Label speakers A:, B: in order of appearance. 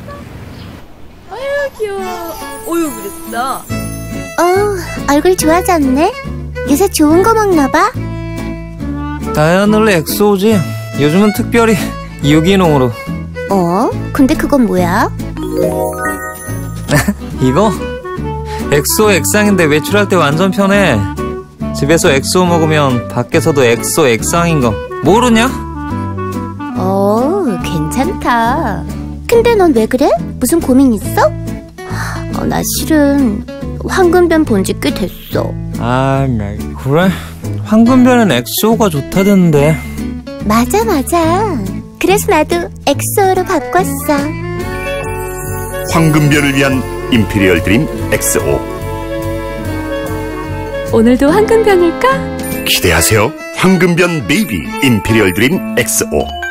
A: 아유 귀여워. 어유 그랬어.
B: 얼굴 좋아졌네. 요새 좋은 거 먹나봐.
C: 다이아놀레 엑소지. 요즘은 특별히 유기농으로.
B: 근데 그건 뭐야?
C: 이거? 엑소 액상인데 외출할 때 완전 편해. 집에서 엑소 먹으면 밖에서도 엑소 액상인 거 모르냐?
B: 괜찮다. 근데 넌 왜 그래? 무슨 고민 있어? 나 실은 황금변 본지 꽤 됐어.
C: 나 그래? 황금변은 엑소가 좋다던데.
B: 맞아. 그래서 나도 엑소로 바꿨어.
D: 황금별을 위한 임피리얼 드림 XO.
A: 오늘도 황금변일까?
D: 기대하세요. 황금변 베이비 임피리얼 드림 XO.